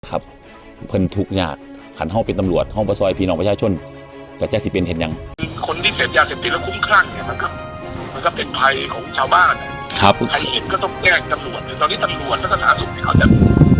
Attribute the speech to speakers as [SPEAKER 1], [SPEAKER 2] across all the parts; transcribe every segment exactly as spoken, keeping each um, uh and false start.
[SPEAKER 1] ครับเพิ่นทุกข์ยากขันเฮาเป็นตำรวจเฮาบ่ซอยพี่น้องประชาชนก็จะสิเป็นเห็นยัง
[SPEAKER 2] คนที่เสพยาเสพติดแล้วคุ้มคลั่งเนี่ยมันก็มันก็เป็นภัยของชาวบ้าน
[SPEAKER 1] ครับ
[SPEAKER 2] ใครเห็นก็ต้องแจ้งตำรวจตอนนี้ตำรวจและสาธารณสุขเขาจะ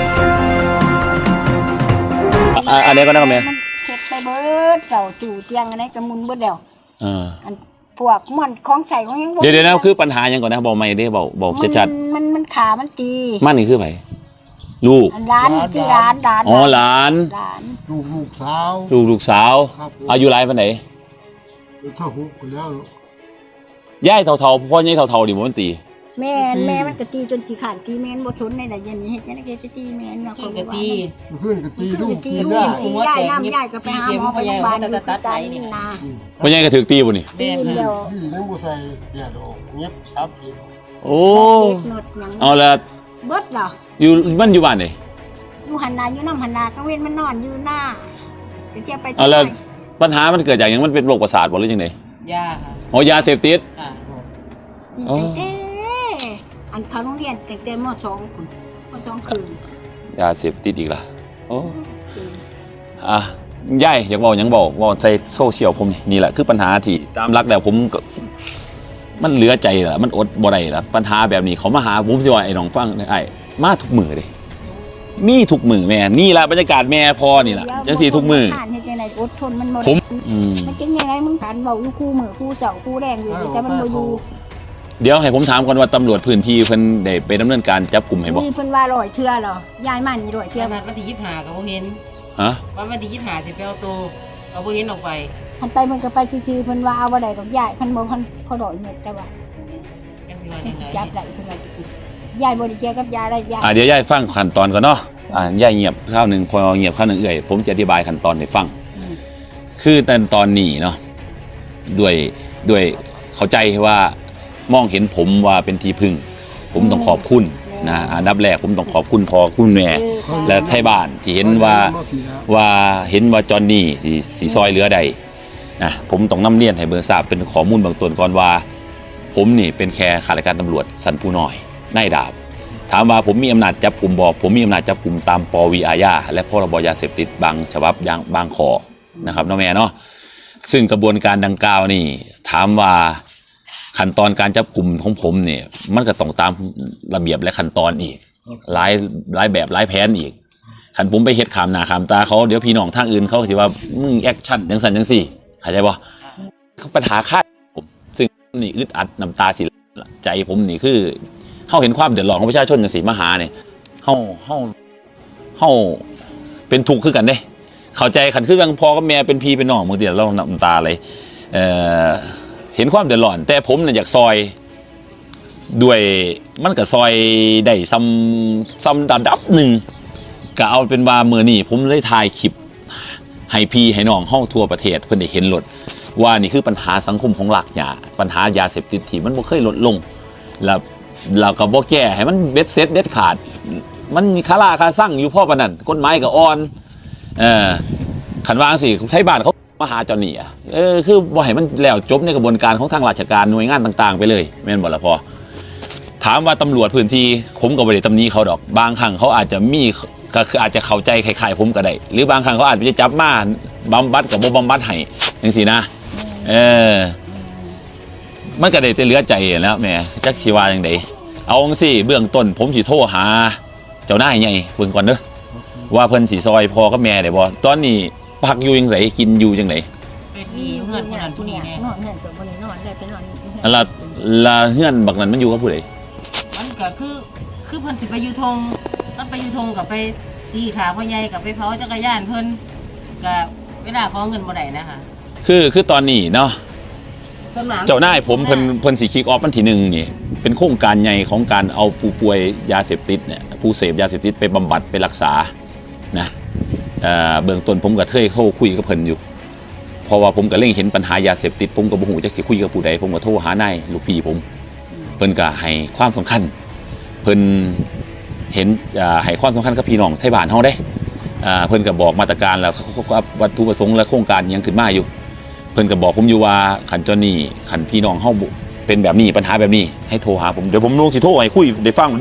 [SPEAKER 1] อันนี้ก็ได้มั้ย
[SPEAKER 3] มันเฮ็ดไปเบิดเจ้าจู่เตียงอันไหนก็มุนเบิดแล้ว
[SPEAKER 1] เออ
[SPEAKER 3] อันพวกมันของใส่ของยัง
[SPEAKER 1] เดี๋ยวๆนะคือปัญหาหยังก่อนนะเว้าใหม่เด้เว้าเว้าชัด
[SPEAKER 3] ๆมันมันขามันตี
[SPEAKER 1] มันนี่คือไผลูก
[SPEAKER 3] ร้านที่ร้านร้าน
[SPEAKER 1] อ๋อหลาน
[SPEAKER 4] ลูกลูกสาว
[SPEAKER 1] ลูกลูกสาวอายุหลายปานใด
[SPEAKER 4] เท่าหุบแล้ว
[SPEAKER 1] ยายเฒ่าๆพ่อใหญ่เฒ่าๆนี่บ่มันตี
[SPEAKER 3] แม่แม่มันก็ตีจนขี้ขาดตีแม่นบ่ทนในใดยันนี้เฮ็ดจังได๋ก็สิตีแม่นเนาะ
[SPEAKER 5] ก็ตี
[SPEAKER 4] เพิ่นก็ตีลูก
[SPEAKER 3] ตีลูกตียายน้ำยายก็ไปหาหมอไปโรงพยาบาลตัดๆไปนี่นะ
[SPEAKER 1] พ่อใหญ่ก็ถูกตีบ่นี่
[SPEAKER 3] ตีเดียว
[SPEAKER 4] ยังบ่ใส่เสียดอกเงียบครับ
[SPEAKER 1] โอ้เอาละ
[SPEAKER 3] เบิดเหรอ
[SPEAKER 1] อยู่มันอยู่บ้านไหน
[SPEAKER 3] อยู่หันนาอยู่น้ำหันนากลางเว้นมันนอนอยู่หน้าไปเจ็บไป
[SPEAKER 1] เอาละปัญหามันเกิดจากอย่างมันเป็นโรคประสาทบ่หรือจังได๋
[SPEAKER 5] ยาค่ะ
[SPEAKER 1] อ๋อยาเสพติด
[SPEAKER 3] อ๋ออันเขาโรงเรียนแต่แต่ม.สองคุณม.สองคืน
[SPEAKER 1] ยาเสพติดอีกล่ะโอ้อ่ะยายอยากบอกหยังบอกว่าใจโซเชียลผมนี่แหละคือปัญหาที่ตามรักแล้วผมมันเหลือใจล่ะมันอดบ่ได้ล่ะปัญหาแบบนี้เขามาหาผมสิว่าไอ้น้องฟังไอ้มาทุกมื้อเด้มีทุกมื้อแม่นี่ล่ะบรรยากาศแม่พอนี่ล่ะจังซี่ทุกมื้อ
[SPEAKER 3] อดทนมันบ่
[SPEAKER 1] ผม
[SPEAKER 3] มันจังได๋มึงผ่านเว้าอยู่คู่มื้อคู่เสาคู่แรงอยู่แต่มันบ่อยู่
[SPEAKER 1] เดี๋ยวให้ผมถามก่อนว่าตำรวจพื้นที่เพิ่นได้ไปดำเนินการจับกลุ่มให้บ่
[SPEAKER 3] มีเพิ่นว่าร้อยเทื่อเหรอยายมันร้อยเทื่อ
[SPEAKER 5] นัดวันที่ยี่สิบห้าก็บ่เห็น
[SPEAKER 1] ฮะ
[SPEAKER 5] ว่าวันที่ยี่สิบห้าสิไปเอาตัวเอาบ่เห็นออกไป
[SPEAKER 3] คันไปมันก็ไปซื่อๆเพิ่นว่าเอาบ่ได้ดอกยายคันบ่คันพอดอกเม็ดแต่ว่าจับได้เพิ่นว่ายายบ่ได้เกี่ยวกับยาได้ยาย
[SPEAKER 1] อ่าเดี๋ยวยายฟังขั้นตอนก่อนเนาะอ่ายายเงียบคราวนึงพอเงียบคราวนึงเอื้อยผมจะอธิบายขั้นตอนให้ฟังคือตอนตอนนี้เนาะด้วยด้วยเข้าใจว่ามองเห็นผมว่าเป็นที่พึ่งผมต้องขอบคุณนะอันดับแรกผมต้องขอบคุณพ่อคุณแม่และไทยบ้านที่เห็นว่าว่าเห็นว่าจอนนี่ที่สีซอยเหลือใดนะผมต้องนำเรียนให้เบอร์ทราบเป็นข้อมูลบางส่วนก่อนว่าผมนี่เป็นแค่ข้าราชการตำรวจสันผู้น้อยนายดาบถามว่าผมมีอำนาจจับกลุ่มบอกผมมีอำนาจจับกลุ่มตามปวีอาญาและพรบยาเสพติดบางฉบับอย่างบางข้อนะครับน้องแม่เนาะซึ่งกระบวนการดังกล่าวนี่ถามว่าขั้นตอนการจับกลุ่มของผมเนี่ยมันก็ต้องตามระเบียบและขั้นตอนอีกหลายหลายแบบหลายแผนอีกขันผมไปเฮ็ดขามหน้าขามตาเขาเดี๋ยวพี่น้องทางอื่นเขาสิว่ามึงแอคชั่นจังซั่นจังซี่เข้าใจบ่ปัญหาค่าผมซึ่งนี่อึดอัดน้ำตาสิใจผมนี่คือเฮาเห็นความเดือดร้อนของประชาชนจังซี่มาหาเนี่ยเฮาเฮาเฮาเป็นทุกข์คือกันเด้เข้าใจขันคือยังพ่อกับแม่เป็นพี่เป็นน้องบางทีเราน้ำตาเลยเอ่อเห็นความเดือดร้อนแต่ผมเนี่ยอยากซอยด้วยมันก็ซอยได้ซ้ำซ้ำระดับหนึ่งก็เอาเป็นว่าเมื่อนี้ผมได้ถ่ายคลิปให้พี่ให้น้องเฮาทั่วประเทศเพิ่นได้เห็นลดว่านี่คือปัญหาสังคมของหลักยาปัญหายาเสพติดที่มันบ่เคยลดลงแล้วเราก็บ่แก้ให้มันเบ็ดเสร็จเด็ดขาดมันมีคาราคาสั่งอยู่พ่อปานนั้นกฎหมายก็อ่อนเออขันวางสิไทยบ้านเขามาหาจอนนี่อ่ะเออคือบ่ให้มันแล้วจบในกระบวนการของทางราชการหน่วยงานต่างๆไปเลยแม่นบ่ล่ะพอถามว่าตำรวจพื้นที่ผมก็บ่ได้ตำหนิเขาดอกบางครั้งเขาอาจจะมีก็คืออาจจะเข้าใจคล้ายๆผมก็ได้หรือบางครั้งเขาอาจจะจับมาบำบัดกับบ่บำบัดให้จังซี่นะเออมันก็ได้แต่เหลือใจแล้วแม่จักสิว่าจังได๋เอาจังซี่เบื้องต้นผมสิโทรหาเจ้านายใหญ่เพิ่นก่อนเด้อว่าเพิ่นสิซอยพ่อกับแม่ได้บ่ตอนนี้พักอยู่จังไดกินอยู่จังได
[SPEAKER 5] ไปที่เฮือนคนนั้นผู้นี้แน่
[SPEAKER 3] นอนเฮือนตัวบ่ได้นอนได้ไปนอน
[SPEAKER 1] อันละละเฮือนบักนั้นมันอยู่กับผู้ใด
[SPEAKER 5] มันก็คือคือเพิ่นสิไปอยู่ทงถ้าไปอยู่ทงก็ไปตีขาพ่อใหญ่ก็ไปเผาจักรยานเพิ่นก็เวลาขอเงินบ่ได้นะคะ
[SPEAKER 1] คือคือตอนนี้เนาะเจ้านายผมเพิ่นเพิ่นสิคิกออฟวันที่หนึ่งนี่เป็นโครงการใหญ่ของการเอาผู้ป่วยยาเสพติดเนี่ยผู้เสพยาเสพติดไปบำบัดไปรักษานะเอ่อเบื้องต้นผมก็เคยเข้าคุยกับเพิ่นอยู่เพราะว่าผมก็เล็งเห็นปัญหายาเสพติดผมก็บ่ฮู้จักสิคุยกับผู้ใดผมก็โทรหานายลูกพี่ผมเพิ่นก็ให้ความสำคัญเพิ่นเห็นอ่าให้ความสำคัญกับพี่น้องไทยบ้านเฮาเด้อ่าเพิ่นก็บอกมาตรการแล้ววัตถุประสงค์และโครงการยังขึ้นมาอยู่เพิ่นก็บอกผมอยู่ว่าคันจอนนี่คันพี่น้องเฮาเป็นแบบนี้ปัญหาแบบนี้ให้โทรหาผมเดี๋ยวผมลงสิโทรให้คุยได้ฟังเด้อ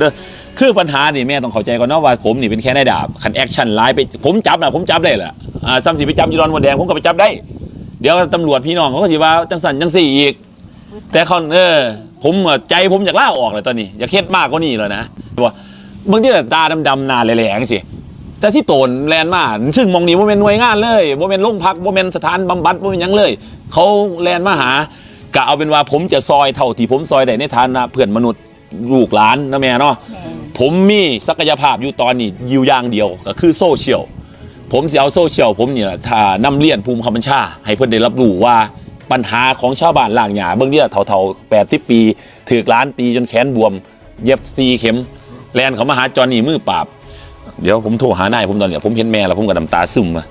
[SPEAKER 1] คือปัญหานี่แม่ต้องเข้าใจก่อนเนาะว่าผมนี่เป็นแค่นายดาบคันแอคชั่นร้ายไปผมจับนะผมจับได้แหละอ่าซ้ำสิไปจับยูรอนมดแดงผมก็ไปจับได้เดี๋ยวตำรวจพี่น้องเขาก็สิว่าจังสันจังสี่อีกแต่เขาเออผมใจผมอยากล่าออกเลยตอนนี้อยากเฮ็ดมากกว่านี้เลยนะว่าบางทีแบบตาดำๆหน้าแหลงๆสิแต่ที่โตนแลนมาซึ่งมองนี้ว่าเป็นหน่วยงานเลยว่าเป็นโรงพักว่าเป็นสถานบำบัดว่าเป็นยังเลยเขาแลนมาหากะเอาเป็นว่าผมจะซอยเท่าที่ผมซอยได้ในฐานะเพื่อนมนุษย์ลูกหลานนะแม่เนาะผมมีศักยภาพอยู่ตอนนี้อยู่อย่างเดียวก็คือโซเชียลผมจะเอาโซเชียลผมเนี่ยถ้านำเลียนภูมิคำบัญชาให้เพื่อนได้รับรู้ว่าปัญหาของชาวบ้านล่างหยาเบื้องเนี่ยเท่าๆแปดสิบปีถือกล้านตีจนแขนบวมเย็บซีเข็มแลนเขามาหาจอนี่มือปราบเดี๋ยวผมโทรหานายผมตอนเนี้ยผมเห็นแม่แล้วผมก็น้ำตาซึมมา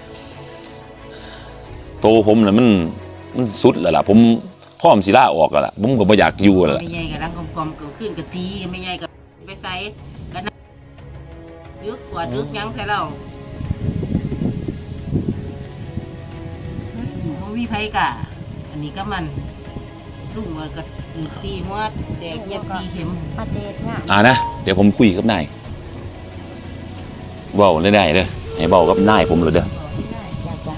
[SPEAKER 1] โตผมน่ะมันมันสุดแล้วล่ะผมพ่อมศิลาออกแล้วล่ะผมก็บ่อยากอยู่แล้วล่ะ
[SPEAKER 5] ไม่ใหญ่กับรังกลมๆเกิดขึ้นกับตีไม่ใหญ่กับไปใส่กันนะดึกกว่าดึกยังใส่เราโมวิไพกะอันนี้ก็มันลุงมันก็ตีหัวแตกเย็บจีเข็ม
[SPEAKER 3] ประเทศง่าย
[SPEAKER 1] อ่านะเดี๋ยวผมคุยกับนายเว้าได้ๆเด้อให้เว้ากับนายผมเลยเด้อ
[SPEAKER 3] จ้าจ้า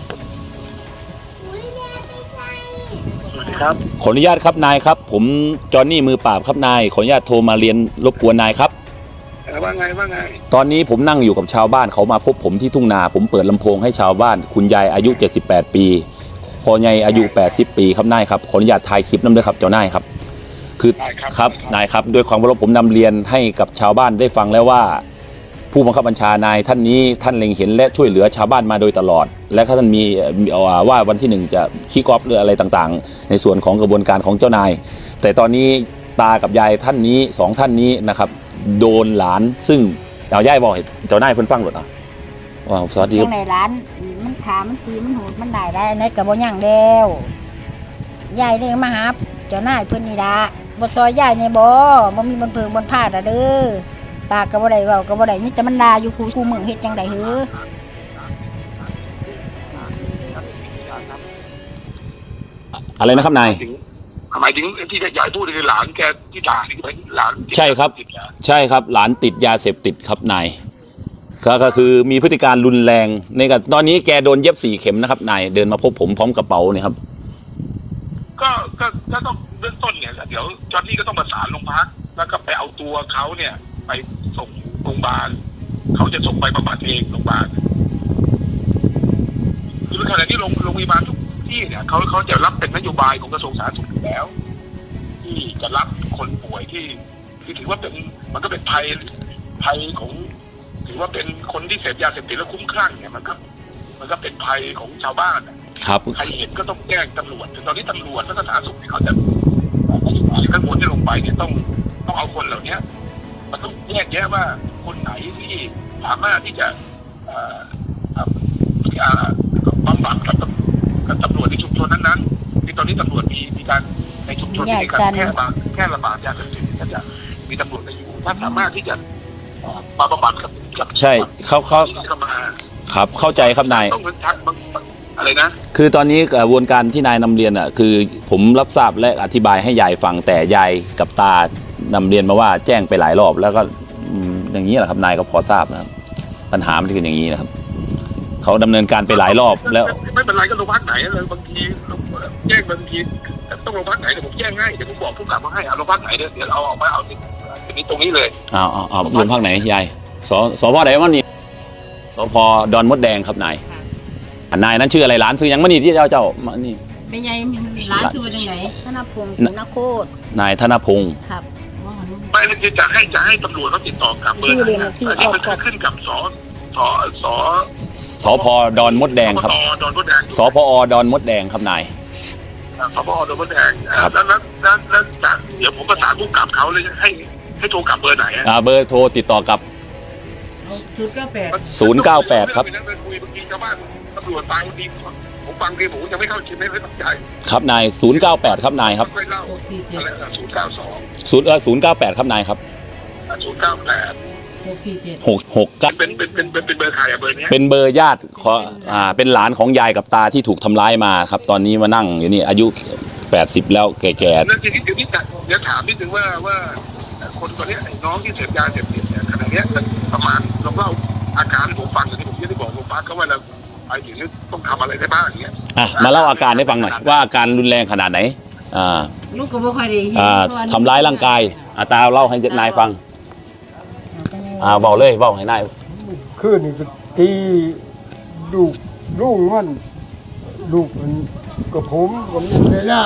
[SPEAKER 2] สวัสดีครับ
[SPEAKER 1] ขออนุญาตครับนายครับผมจอห์นนี่มือปราบครับนายขออนุญาตโทรมาเรียนรบกวนนายครับ
[SPEAKER 2] เออว่าไงว่าไง
[SPEAKER 1] ตอนนี้ผมนั่งอยู่กับชาวบ้านเขามาพบผมที่ทุ่งนาผมเปิดลำโพงให้ชาวบ้านคุณยายอายุเจ็ดสิบแปดปีพ่อใหญ่อายุแปดสิบปีครับนายครับขออนุญาตถ่ายคลิปนำด้วยครับเจ้านายครับคือครับนายครับด้วยความเคารพผมนำเรียนให้กับชาวบ้านได้ฟังแล้วว่า ผู้บังคับบัญชานายท่านนี้ท่านเล็งเห็นและช่วยเหลือชาวบ้านมาโดยตลอด และท่านมีว่าวันที่หนึ่งจะคิกออฟหรืออะไรต่างๆในส่วนของกระบวนการของเจ้านายแต่ตอนนี้ตากับยายท่านนี้สองท่านนี้นะครับโดนหลานซึ่งเอาย่ายบอกให้เจ้านายเพิ่นฟังหมดอ่ะว้าวสวัสดีค
[SPEAKER 3] จั
[SPEAKER 1] รับ
[SPEAKER 3] งไหนร้านมันขามันตีมันโหดมันได้ได้ในกระบอกย่างแล้วยายเลยมาหาเจ้านายเพิ่นนี่ละบ่ซอยยายในบ่บ่มีบนเพิงบนผ้าดะเด้อปากก็บ่ได้เว้าก็บ่ได้มีแต่มันด่าอยู่คูคูมึงเฮ็ดจังได๋หือ
[SPEAKER 1] อะไรนะครับนาย
[SPEAKER 2] ถึงหมายถึงที่ยายพูดคือหลานแกที่ด่านี่คือหลาน
[SPEAKER 1] ใช่ครับ ใช่ครับหลานติดยาเสพติดครับนายก็ก็คือมีพฤติการรุนแรงในกับตอนนี้แกโดนเย็บสี่เข็มนะครับนายเดินมาพบผมพร้อมกระเป๋าเนี่ยครับ
[SPEAKER 2] ก็ก็ก็ต้องเบื้องต้นเนี่ยเดี๋ยวจอห์นนี่ก็ต้องประสานโรงพักแล้วก็ไปเอาตัวเขาเนี่ย ไปส่งโรงพยาบาลเขาจะส่งไปบำบัดเองโรงพยาบาลคือขณะที่โรงโรงพยาบาลทุกที่เนี่ยเขาเขาจะรับเป็นนโยบายของกระทรวงสาธารณสุขอยู่แล้ว ที่จะรับคนป่วยที่ที่ถือว่าเป็นมันก็เป็นภัยภัยของถือว่าเป็นคนที่เสพยาเสพติดแล้วคุ้มคลั่งเนี่ยมันก็มันก็เป็นภัยของชาวบ้านนะครับ ใครเห็นก็ต้องแจ้งตำรวจตอนนี้ตำรวจและสาธารณสุขที่เขาจะนโยบายข้างบนที่ลงไปเนี่ยต้องต้องเอาคนเหล่านี้มันต้องแยกแยะว่าคนไหนที่สามารถที่จะบำบัดกับกับตำรวจในชุมชนนั้นๆที่ตอนนี้ตำรวจมีมีการในชุมชนที่มีการแค่ระบาดแค่ระบาดยาเสพติดก็จะมีตำรวจไปอยู่ถ้าสามารถที่จะมาบำบัดกับกับ
[SPEAKER 1] ใช่เขาเขา
[SPEAKER 2] เข้ามา
[SPEAKER 1] ครับเข้าใจครับนาย
[SPEAKER 2] ต้องเป็นทักอะไรนะ
[SPEAKER 1] คือตอนนี้กระบวนการที่นายนำเรียนอ่ะคือผมรับทราบและอธิบายให้ยายฟังแต่ยายกับตานำเรียนมาว่าแจ้งไปหลายรอบแล้วก็อืมอย่างนี้แหละครับนายก็พอทราบนะครับปัญหามันคืออย่างนี้นะครับเขาดำเนินการไปหลายรอบแล้ว
[SPEAKER 2] ไม่เป็นไรก็โรงพักไหนเลยบางทีแจ้งบางทีต้องโรงพักไหนเดี๋ยวผมแจ้งให้เดี๋ยวผมบอกผู้กำกับมาให้เอาโรงพักไหนเดี๋ยวเดี๋ยวเอาออกมาเอาทีนี้ตรงนี้เลย
[SPEAKER 1] เอาเอาเอาโรงพักไหนยายสสพไหนวะนี่สพดอนมดแดงครับนายนายนั้นชื่ออะไรร้านซื้อยังมานี่ที่เจ้าเจ้ามานี่
[SPEAKER 5] เป็นไงร้านชื่อจังไหน
[SPEAKER 3] ธนพงศ์คุณนโคตร
[SPEAKER 1] นายธนพงศ์
[SPEAKER 3] ครับ
[SPEAKER 2] ไม่แล้วจะให้จะให้ตำรวจเขาติดต่อกลับเบอร์ไหนอันนี้มันขึ้นกับสสส
[SPEAKER 1] สพดอนมดแดงครับ
[SPEAKER 2] ดอนมดแดง
[SPEAKER 1] สพอดอนมดแดงครับนาย
[SPEAKER 2] สพดอนมดแดงแล้วแล้วแล้วแล้วจากเดี๋ยวผมประสานผู้กำกับเขาเลยให้ให้โทรกลับเบอร์ไหน
[SPEAKER 1] อ่าเบอร์โทรติดต่อกับ
[SPEAKER 5] ชุดเก้าแปด
[SPEAKER 1] ศูนย์เก้าแปดครับ
[SPEAKER 2] คุยบางทีชาวบ้านตำรวจตายบางทีผมฟังทีผมจะไม่เข้าใจไม่ค่อยตั้งใจ
[SPEAKER 1] ครับนายศูนย์เก้าแปดครับนายครับ
[SPEAKER 2] ค่อยเล่า
[SPEAKER 5] หกสี่เจ็ด
[SPEAKER 2] อะไรนะศูนย์เก้าสอง
[SPEAKER 1] ศูนย์เออศูนย์เก้าแปดครับนายครับ
[SPEAKER 2] ศูนย์เก้าแปด
[SPEAKER 5] หกสี่เจ็ด
[SPEAKER 1] หกหกเก้า
[SPEAKER 2] เป็นเป็นเป็นเป็นเป็นเบอร์ใครอะเบอร์เนี้ย
[SPEAKER 1] เป็นเบอร์ญาติขออ่าเป็นหลานของยายกับตาที่ถูกทำร้ายมาครับ ตอนนี้มานั่งอยู่นี่อายุแปดสิบแล้วแก่
[SPEAKER 2] นั่นทีนี้เดี๋ยวนี้เดี๋ยวถามนิดนึงว่าว่าคคนตัวเนี้ยไอ้น้องที่เสพยาเสพติดเนี่ยขณะเนี้ยประมาณลองเล่าอาการให้ผมฟังอย่างที่ผมที่บอกโรงพยาบาลเขาว่าเราไอ้อย่างนี้ต้องทำอะไรได้บ้างอย่างเงี้ย
[SPEAKER 1] อ่ะมาเล่าอาการให้ฟังหน่อยว่าอาการรุนแรงขนาดไหนอ่า
[SPEAKER 5] ลูกก็บ่ค่อยได้เห็น
[SPEAKER 1] อ่า
[SPEAKER 5] เพะว่
[SPEAKER 1] ทำร้ายร่างกายอาตาเล่าให้นายฟังอ่าเบาเลยเบาให้นาย
[SPEAKER 4] คืนนี่ก็ตีลูกลูกมันลูกมันกับผมผมยังไม่ได้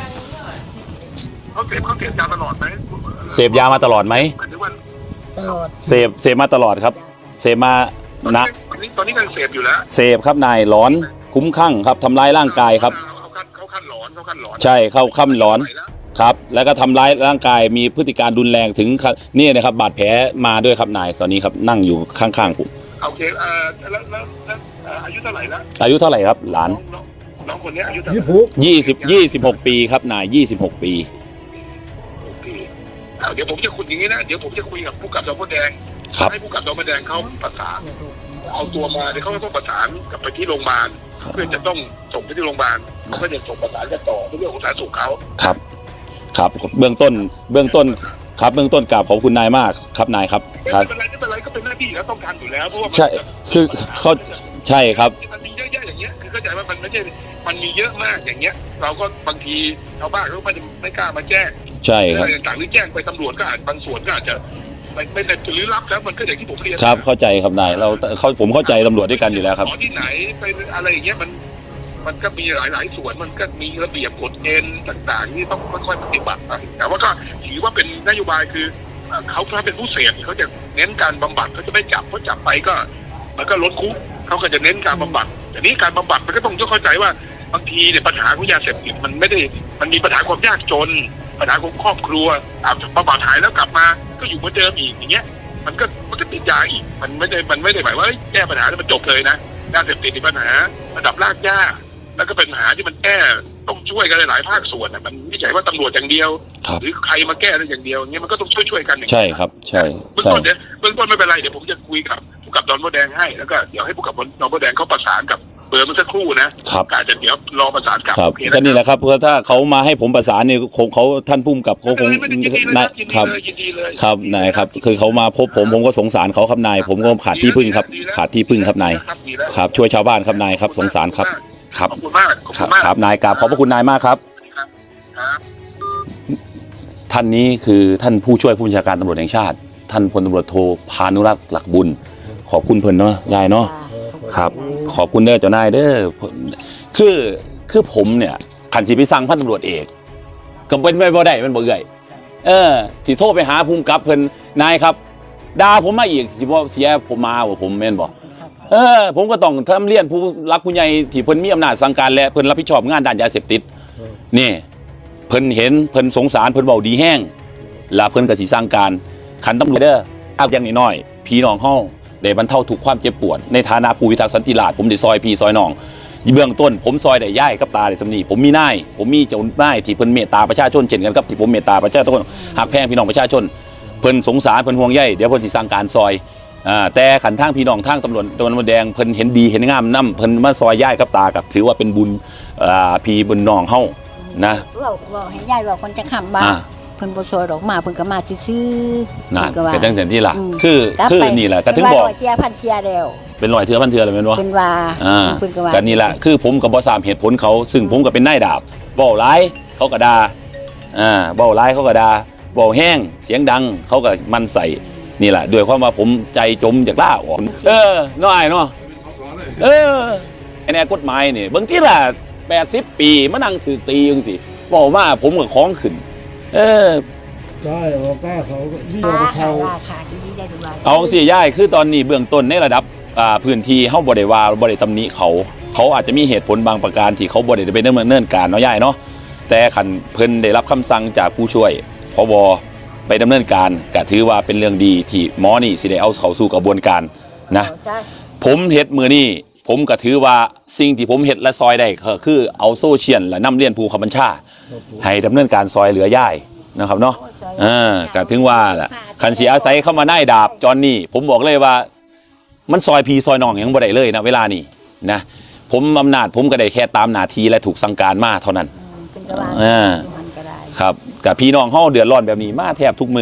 [SPEAKER 2] เขาเสพเขาเสพยาตลอดไหม
[SPEAKER 1] เสพยามาตลอดไหม
[SPEAKER 2] หมายถึงว่า
[SPEAKER 3] ตลอด
[SPEAKER 1] เสพเสพมาตลอดครับเสพมานะ
[SPEAKER 2] ตอนนี้ตอนนี้กำลังเสพอยู่แล้ว
[SPEAKER 1] เสพครับนายหลอนคุ้มคลั่งครับทำร้ายร่างกายครับ
[SPEAKER 2] เขาขั้นเขาขั้นหลอนเขาขั้นหลอน
[SPEAKER 1] ใช่เข้าค่ำหลอนครับแล้วก็ทำร้ายร่างกายมีพฤติการรุนแรงถึงขั้นนี่นะครับบาดแผลมาด้วยครับนายตอนนี้ครับนั่งอยู่ข้างๆผม
[SPEAKER 2] โอเคเอ่อแล้วแล้วแล้วเอ่ออายุเท่าไหร่แล้ว
[SPEAKER 1] อายุเท่าไหร่ครับหลาน
[SPEAKER 2] น้องน้องน้องคนเนี้ยอายุเท่าไห
[SPEAKER 4] ยี่
[SPEAKER 2] ร่
[SPEAKER 4] สิบ
[SPEAKER 1] ยี่สิบ ยี่สิบหกปีครับนายยี่สิบหกปี
[SPEAKER 2] โอเคเอาเดี๋ยวผมจะคุยอย่างนี้นะเดี๋ยวผมจะคุยกับผู้กับสพแดง
[SPEAKER 1] ครับ
[SPEAKER 2] ให้ผู้กับสพแดงเขาประสานเอาตัวมาเดี๋ยวเขาต้องประสานกลับไปที่โรงพยาบาลเพื่อจะต้องส่งไปที่โรงพยาบาลเพื่อจะส่งประสานกันต่อในเรื่องของสาธารณสุขเขา
[SPEAKER 1] ครับครับเบื้องต้นเบื้องต้นครับเบื้องต้นกราบขอบคุณนายมากครับนายครับ
[SPEAKER 2] ไม่
[SPEAKER 1] ครับ
[SPEAKER 2] เป็นไรไม่เป็นไรก็เป็นหน้าที่แล้วต้องการอยู่แล้วเพราะว่ามัน
[SPEAKER 1] ใช่คือเขาใช่ครับ
[SPEAKER 2] มันมีเยอะแยะอย่างเงี้ยคือเข้าใจว่ามันไม่ใช่มันมีเยอะมากอย่างเงี้ย เราก็บางทีชาวบ้านเขาไม่ไม่กล้ามาแจ้ง
[SPEAKER 1] ใช่ครับ
[SPEAKER 2] เรื่องต่างๆหรือแจ้งไปตำรวจก็อาจบางส่วนก็อาจจะไม่ไม่ได้หรือรับแล้วมันก็อย่างที่ผมเรียน
[SPEAKER 1] ครับเข้าใจครับนายเราเขาผมเข้าใจตำรวจด้วยกันอยู่แล้วครับ
[SPEAKER 2] ขอที่ไหนไปอะไรอย่างเงี้ยมันมันก็มีหลาย ๆ ส่วนมันก็มีระเบียบกฎเกณฑ์ต่าง ๆ ที่ต้องค่อยๆปฏิบัติไปแต่ว่าก็ถือว่าเป็นนโยบายคือเอ่อเขาถ้าเป็นผู้เสพเขาจะเน้นการบำบัดเขาจะไม่จับเพราะจับไปก็มันก็ลดคุกเขาก็จะเน้นการบำบัดแต่นี้การบำบัดมันก็ต้องเข้าใจว่าบางทีเนี่ยปัญหาของยาเสพติดมันไม่ได้มันมีปัญหาความยากจนปัญหาของครอบครัวอาจจะบำบัดหายแล้วกลับมาก็อยู่เหมือนเดิมอีกอย่างเงี้ยมันก็มันก็ติดยาอีกมันไม่ได้มันไม่ได้หมายว่าเฮ้ยแก้ปัญหาแล้วมันจบเลยนะยาเสพติดมีปัญหาระดับรากหญ้าแล้วก็เป็นปัญหาที่มันแก้ต้องช่วยกันหลายภาคส่วนอ่ะมันไม่ใช่ว่าตำรวจอย่างเดียว
[SPEAKER 1] ครับ
[SPEAKER 2] หรือใครมาแก้ได้อย่างเดียวอย่างเงี้ยมันก็ต้องช่วยช่วยๆกันอย่าง
[SPEAKER 1] ใช่
[SPEAKER 2] เงี้ย
[SPEAKER 1] ครับใช่
[SPEAKER 2] เบื้อง
[SPEAKER 1] ใช่
[SPEAKER 2] ต้นเนี่ยเบื้องต้นไม่เป็นไรเดี๋ยวผมจะคุยกับผู้กับดอนโบแดงให้แล้วก็เดี๋ยวให้ผู้กับดอนโบแดงเขาประสานกับเบอร์เมื่อสักครู่นะครับ อาจจะเดี๋ยวรอประสานกับ
[SPEAKER 1] ครับ
[SPEAKER 2] โอเค
[SPEAKER 1] ก็นี่แหละครับเพราะถ้าเขามาให้ผมประสานเนี่ยคงเขาท่านพุ่มกับเขาคง
[SPEAKER 2] ไม่เป็นไรไม่เป็นไร
[SPEAKER 1] นาย
[SPEAKER 2] ยินดี
[SPEAKER 1] ครับ
[SPEAKER 2] เลยยินดีเลย
[SPEAKER 1] ครับนายครับคือเขามาพบผมผมก็สงสารเขาครับนายผมก็ขาดที่พึ่งครับขาดที่พึ่งครับนาย
[SPEAKER 2] ดีแล้ว
[SPEAKER 1] ครับช่วยชาวบ้านครับนายครับสงสารครับครับ
[SPEAKER 2] ขอบคุณมากขอบ
[SPEAKER 1] ค
[SPEAKER 2] คุ
[SPEAKER 1] รับ
[SPEAKER 2] ณมาก
[SPEAKER 1] ครับนายกราบขอบพระคุณนายมากครับ
[SPEAKER 2] ครับครับ
[SPEAKER 1] ท่านนี้คือท่านผู้ช่วยผู้บัญชาการตำรวจแห่งชาติ ท่านพลตำรวจโทพานุรักษ์หลักบุญ ขอบคุณเพิ่นเนาะยายเนาะครับ ขอบคุณเด้อเจ้านายเด้อคือคือผมเนี่ยขันสิไปสั่งพันตำรวจเอกก็เป็นไปบ่ได้มันบ่เอื่อยเออสิโทรไปหาภูมิกับเพิ่นนายครับด่าผมมาอีกสิบ่เสียผมมาบ่ผมแม่นบ่เออผมก็ต้องทำเรียนผู้รักผู้ใหญ่ที่เพิ่นมีอำนาจสั่งการและเพิ่นรับผิดชอบงานด้านยาเสพติดนี่เพิ่นเห็นเพิ่นสงสารเพิ่นเว้าดีแห้งแล้วเพิ่นก็สิสั่งการขันตำรวจเด้อเอาอย่างน้อยๆพี่น้องเฮาได้บรรเทาทุกข์ความเจ็บปวดในฐานะผู้พิทักษ์สันติราษฎร์ผมได้ซอยพี่ซอยน้องเบื้องต้นผมซอยได้ย่ายกับตาได้สำนีผมมีนายผมมีเจ้านายที่เพิ่นเมตตาประชาชนเช่นกันกับที่ผมเมตตาประชาชนหักแพงพี่น้องประชาชนเพิ่นสงสารเพิ่นห่วงใยเดี๋ยวเพิ่นสิสั่งการซอยอ่าแต่ขันทางพี่น้องทางตำรวจตะวันออกแดงเพิ่นเห็นดีเห็นงามนำเพิ่นมาซอยย่ายกับตากับถือว่าเป็นบุญอ่าพี่บุญน้องเฮานะ
[SPEAKER 3] เราเราให้ยายว่าคนจะขำบ้า
[SPEAKER 1] อ่า
[SPEAKER 3] เพิ่นบ่ซอยดอกมาเพิ่นก็มาซื่อๆ
[SPEAKER 1] นั่น
[SPEAKER 3] เพิ่ก็ว่า
[SPEAKER 1] ก็จังซั่นที่ล่ะ
[SPEAKER 3] ม
[SPEAKER 1] คือ
[SPEAKER 3] ลับ
[SPEAKER 1] คือ
[SPEAKER 3] ไป
[SPEAKER 1] นี่แหละก็ถึงบอก
[SPEAKER 3] เพิ่นว่าร้อยเจียพันเจียแล้ว
[SPEAKER 1] เป็นรอยเทือพันเทือเลยแม่นบ่
[SPEAKER 3] เพิ่นว่า
[SPEAKER 1] อ่า
[SPEAKER 3] เพิ่นก็ว่า
[SPEAKER 1] ก็นี่แหละคือผมกับบ่ทราบเหตุผลเขา ซึ่งผมก็เป็นนายดาบเว้าร้ายเขาก็ด่าอ่าเว้าร้ายเขาก็ด่าเว้าแห้งเสียงดังเขาก็มันใส่นี่แหละด้วยความว่าผมใจจมจากล่าออกเออน้อยเนาะเออไอ้แนวกฎหมายนี่บางทีล่ะแปดสิบปีมานั่งถือตีจังซี่เว้ามาผมก็ของขึ้นเออ
[SPEAKER 4] ใช่ว่าป้าเขาที่
[SPEAKER 3] ขา
[SPEAKER 4] เขา
[SPEAKER 3] ขาขาดีได้ดูว่า
[SPEAKER 1] เอาจังซี่ย่ายคือตอนนี้เบื้องต้นในระดับอ่าพื้นที่เฮาบ่ได้ว่าบ่ได้ตำหนิเขาเขาอาจจะมีเหตุผลบางประการที่เขาบ่ได้ไปดำเนินการเนาะย่ายเนาะแต่คันเพิ่นได้รับคำสั่งจากผู้ช่วยผบไปดำเนินการก็ถือว่าเป็นเรื่องดีที่หมอนี่สิได้เอาเข้าสู่กระบวนการนะ
[SPEAKER 3] ใช่
[SPEAKER 1] ผมเฮ็ดมือนี้ผมก็ถือว่าสิ่งที่ผมเฮ็ดและซอยได้ก็คือเอาโซเชียลและนำเรียนผู้ขับบัญชาให้ดำเนินการซอยเหลือย่ายนะครับเนาะเออก็ถึงว่าล่ะคันสิอาศัยเข้ามาได้ดาบจอนนี่ผมบอกเลยว่ามันซอยพีซอยน้องยังบ่ได้เลยนะเวลานี้นะผมอำนาจผมก็ได้แค่ตามหน้าที่และถูกสั่งการมาเท่านั้น
[SPEAKER 3] เพิ่นก็ว่า
[SPEAKER 1] อ่า
[SPEAKER 3] มันก็ได้
[SPEAKER 1] ครับกับพี่น้องเฮาเดือดร้อนแบบนี้มาแทบทุกมือ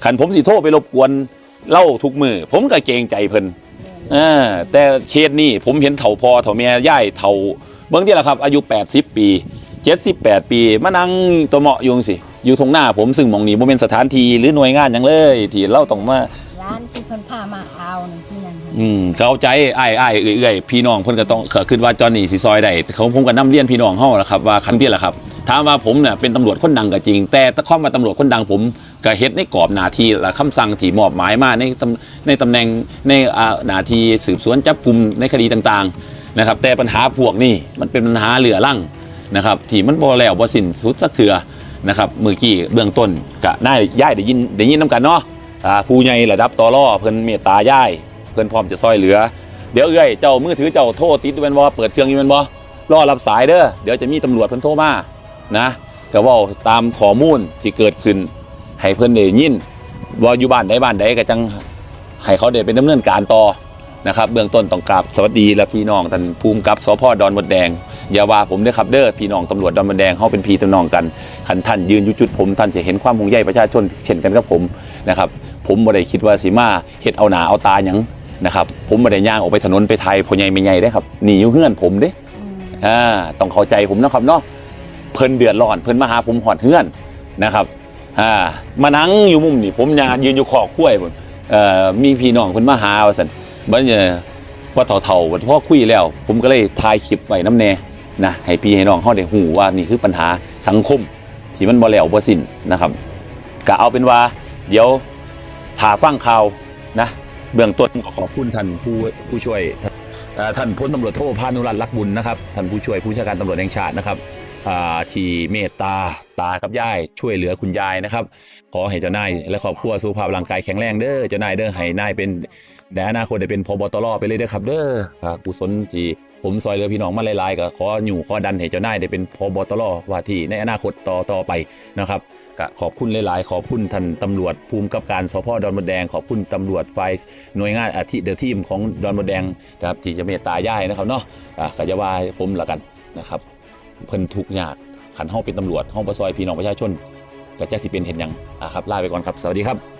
[SPEAKER 1] ขันผมสิโทรไปรบกวนเล่าทุกมือผมก็เกรงใจเพิ่นเออแต่เคสนี้ผมเห็นเฒ่าพอเฒ่าแม่ย่ายเฒ่าเบิ่งที่ละครับอายุแปดสิบปีเจ็ดสิบแปดปีมานั่งตัวเหมาะอยู่สิอยู่ตรงหน้าผมซึ่งหม่องนี้บ่แม่นสถานที่หรือหน่วยงานหยังเลยที่เราต้องมา
[SPEAKER 3] ร้านที่เพิ่นพามาเอานี่ที่นั่นค่ะ
[SPEAKER 1] อืมเข้าใจอ้ายอ้ายเอื่อยๆพี่น้องเพิ่นก็ต้องเคิดว่าจอนนี่สิซอยได้เขาผมก็นำเรียนพี่น้องเฮาล่ะครับว่าคันที่ล่ะครับถามว่าผมเนี่ยเป็นตำรวจคนดังก็จริงแต่ถ้าข้อมาตำรวจคนดังผมก็เฮ็ดในกรอบหน้าที่และคำสั่งที่มอบหมายมาในตำในตำแหน่งในอ่าหน้าที่สืบสวนจับกุมในคดีต่างๆนะครับแต่ปัญหาพวกนี้มันเป็นปัญหาเหลือรั่งนะครับที่มันบ่แล้วบ่สิ้นสุดสักเทื่อนะครับเมื่อกี้เบื้องต้นก็น่าย้ายได้ยินได้ยินนํกันเนาะอ่าผู้ใหญ่ระดับตลเพิ่นเมตตาย้ายเพิ่นพร้อมจะซอยเหลือเดี๋ยวเอ้ยเจ้ามือถือเจ้าโทรติดอยู่แม่นบ่เปิดเครื่องอยู่แม่นบ่รอรับสายเด้อเดี๋ยวจะมีตำรวจเพิ่นโทรมานะก็เว้าตามข้อมูลที่เกิดขึ้นให้เพิ่นได้ยินว่าอยู่บ้านใดบ้านใดก็จังให้เขาได้ไปดำเนินการต่อนะครับเบื้องต้นต้องกราบสวัสดีและพี่น้องท่านภูมิกับสภ.ดอนมดแดงอย่าว่าผมเด้อครับเด้อพี่น้องตำรวจดอนมดแดงเฮาเป็นพี่น้องกันคันท่านยืนอยู่จุดผมท่านจะเห็นความห่วงใยประชาชนเช่นกันกับผมนะครับผมบ่ได้คิดว่าสิมาเฮ็ดเอาหน้าเอาตาหยังนะครับผมบ่ได้ย่างออกไปถนนไปไทยพ่อใหญ่แม่ใหญ่เด้ครับหนีอยู่เฮือนผมเด้อ่าต้องเข้าใจผมนะครับเนาะเพิ่นเดือดร้อนเพิ่นมาหาผมหอดเฮือนนะครับอ่ามานั่งอยู่มุมนี่ผมย่างยืนอยู่ขอกล้วยพุ่นเอ่อมีพี่น้องเพิ่นมาหาว่าซั่นบัดนี้ว่าเฒ่าๆว่าพอคุยแล้วผมก็เลยถ่ายคลิปไว้นำแน่นะให้พี่ให้น้องเฮาได้ฮู้ว่านี่คือปัญหาสังคมที่มันบ่แล้วบ่สิ้นนะครับก็เอาเป็นว่าเดี๋ยวถ้าฟังข่าวนะเบื้องต้นขอบคุณท่านผู้ผู้ช่วยท่านพลตำรวจโทพานุรัตน์ลักบุญนะครับท่านผู้ช่วยผู้บัญชาการตำรวจแห่งชาตินะครับที่เมตตาตากับยายช่วยเหลือคุณยายนะครับขอให้เจ้านายและครอบครัวสุขภาพร่างกายแข็งแรงเด้อเจ้านายเด้อให้นายเป็นในอนาคตได้เป็นผบ.ตร.ไปเลยเด้อครับเด้อกุศลที่ผมซอยเหลือพี่น้องมาหลายๆก็ขออยู่ขอดันให้เจ้านายได้เป็นผบ.ตร.ว่าที่ในอนาคตต่อต่อไปนะครับก็ขอบคุณหลายๆขอบคุณท่านตำรวจภูมิกับการสภ.ดอนมดแดงขอบคุณตำรวจฝ่ายหน่วยงานอาทิเดอะทีมของดอนมดแดงนะครับที่จะเมตตาย่ายนะครับเนาะอ่ะก็จะว่าผมละกันนะครับเพิ่นทุกข์ยากขันเฮาเป็นตำรวจเฮาบ่ซอยพี่น้องประชาชนก็จะสิเป็นเห็นหยังอ่ะครับลาไปก่อนครับสวัสดีครับ